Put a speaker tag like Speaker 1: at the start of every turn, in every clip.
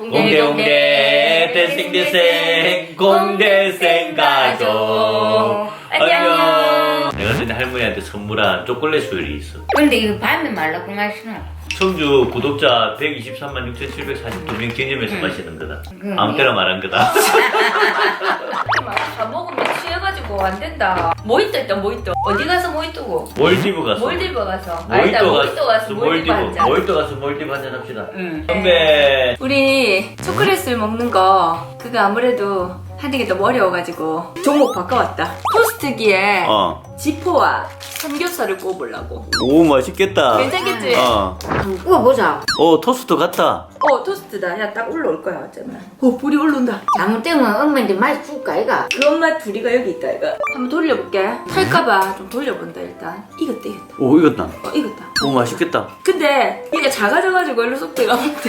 Speaker 1: 공개 대생대생 공대생 가족 안녕. 내가 전에 할머니한테 선물한 초콜릿 수율이 있어.
Speaker 2: 근데 이거 밤에 말라고 마시나?
Speaker 1: 청주 구독자 123만 6,742명 기념해서 마시는 거다. 아무 때나 말한 거다.
Speaker 3: 다 먹으면 취해가지고 안 된다. 모히또 있다, 모히또. 어디 가서 모히또고?
Speaker 1: 몰디브 가서.
Speaker 3: 몰디브 가서. 아니다, 모히또 가서 몰디브 한 잔.
Speaker 1: 몰디브 가서 몰디브 한잔 합시다.
Speaker 3: 응.
Speaker 1: 선배.
Speaker 3: 우리 초콜릿을 먹는 거 그거 아무래도 하는 게 너무 어려워가지고 종목 바꿔왔다. 토스트기에 지포와 삼겹살을 구워보려고.
Speaker 1: 오 맛있겠다.
Speaker 3: 괜찮겠지?
Speaker 2: 구워보자.
Speaker 1: 토스트 같다.
Speaker 3: 토스트다. 야, 딱 올라올 거야, 어쩌면. 불이 올라온다.
Speaker 2: 잘못되면 엄마한테 맛 줄까, 이가?
Speaker 3: 그 엄마 둘이가 여기 있다, 이거. 한번 돌려볼게. 탈까봐 좀 돌려본다, 일단. 익었다.
Speaker 1: 오 익었다.
Speaker 3: 익었다.
Speaker 1: 오 맛있겠다.
Speaker 3: 근데 이게 작아져가지고 일로 쏙 들어가면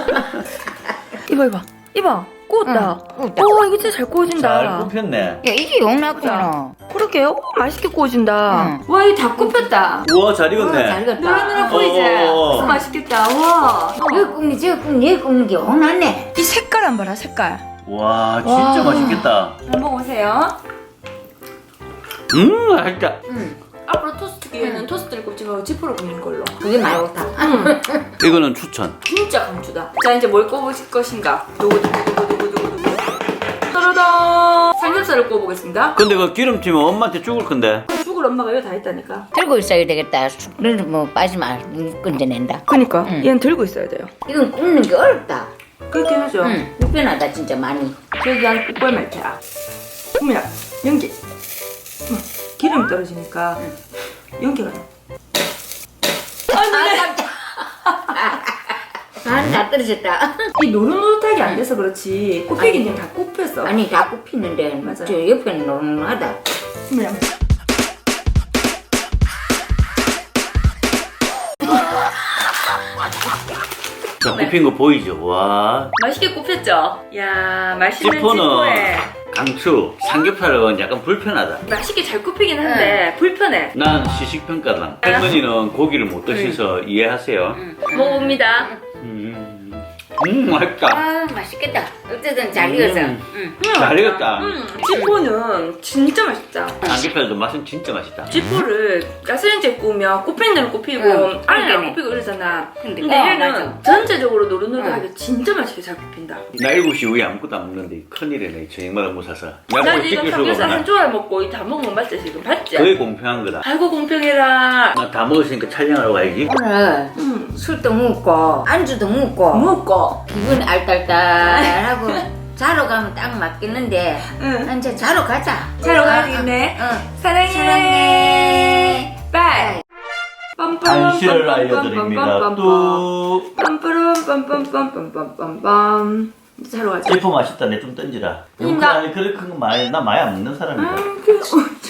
Speaker 3: 이봐. 구웠다. 오, 이거 진짜 잘 구워진다.
Speaker 1: 잘 굽혔네.
Speaker 2: 야, 이게 용납잖아.
Speaker 3: 그러게요. 맛있게 구워진다. 와, 이거 다 굽혔다.
Speaker 1: 우와 잘 익었네.
Speaker 2: 잘 익었다.
Speaker 3: 노릇노릇 보이지? 맛있겠다. 와.
Speaker 2: 이거 굽니, 저거 굽니, 얘 굽는 게 용납네.
Speaker 3: 이 색깔 안 봐라, 색깔.
Speaker 1: 와 진짜 맛있겠다.
Speaker 3: 한번 먹어보세요.
Speaker 1: 맛있다.
Speaker 3: 앞으로 토스트기에는 토스트를 굽지 말고 지포를 굽는 걸로.
Speaker 2: 그게 말고 다.
Speaker 1: 이거는 추천.
Speaker 3: 진짜 강추다. 자, 이제 뭘 구워보실 것인가? 두구두구두구두구두구. 따라다. 삼겹살을 구워보겠습니다.
Speaker 1: 근데 그 기름튀면 엄마한테 죽을 건데.
Speaker 3: 죽을 엄마가 이거 다 했다니까.
Speaker 2: 들고 있어야 되겠다. 숙는 뭐 빠지면 건져낸다.
Speaker 3: 그니까 얘는 들고 있어야 돼요.
Speaker 2: 이건 굽는 게 어렵다.
Speaker 3: 그렇게 하죠.
Speaker 2: 불편하다, 진짜 많이.
Speaker 3: 저기 안에 국벌 말테야. 국민아, 연기. 기름이 떨어지니까 연기가 나.
Speaker 2: 다 떨어졌다.
Speaker 3: 이 노릇노릇하게 안 돼서 그렇지. 굽히기는 다 굽혔어.
Speaker 2: 아니, 다 굽히는데,
Speaker 3: 맞아.
Speaker 2: 저 옆에는 노릇노릇하다.
Speaker 3: 국민아.
Speaker 1: 자 굽힌 거 보이죠? 와.
Speaker 3: 맛있게 굽혔죠? 야, 맛있는
Speaker 1: 지포는
Speaker 3: 지포에
Speaker 1: 강추. 삼겹살은 약간 불편하다.
Speaker 3: 맛있게 잘 굽히긴 한데 불편해.
Speaker 1: 난 시식평가단. 할머니는 고기를 못 드셔서 이해하세요.
Speaker 3: 먹어봅니다.
Speaker 1: 맛있다.
Speaker 2: 아, 맛있겠다. 어쨌든 잘 익었어.
Speaker 1: 잘 익었다.
Speaker 3: 지포는 진짜 맛있다.
Speaker 1: 삼겹살도 맛은 진짜 맛있다.
Speaker 3: 지포를 가스레인지에 구우면 굽힌 대로 굽히고 안에 안 굽히고 이러잖아. 근데 얘는
Speaker 2: 맞아.
Speaker 3: 전체적으로 노릇노릇하게 진짜 맛있게 잘 굽힌다.
Speaker 1: 나 7시 이후에 아무것도 안 먹는데 큰일이네. 저녁마다 못 사서.
Speaker 3: 난
Speaker 1: 약간
Speaker 3: 지금
Speaker 1: 찍힐 수가
Speaker 3: 삼겹살 한
Speaker 1: 없나.
Speaker 3: 조각 먹고 이 다 먹으면 맞지 지금? 봤지?
Speaker 1: 그게 공평한 거다.
Speaker 3: 아이고 공평해라.
Speaker 1: 나 다 먹었으니까 촬영하러 가야지.
Speaker 2: 오늘 술도 먹고, 안주도 먹고,
Speaker 3: 먹고.
Speaker 2: 기분이 알딸딸하고, 자러 가면 딱 맞겠는데,
Speaker 3: 응.
Speaker 2: 이제 자러 가자.
Speaker 3: 자러 가야겠네. 사랑해.
Speaker 2: 사랑해.
Speaker 3: 빠이.
Speaker 1: 안시를 알려드립니다. 또
Speaker 3: 빰빰빰빰빰빰빰빰빰빰. 이제 자러 가자.
Speaker 1: 제품 맛있다. 내 좀 던지라.
Speaker 3: 나-
Speaker 1: 그렇게 큰 거 많이 나 많이 안 먹는 사람이다.
Speaker 3: 그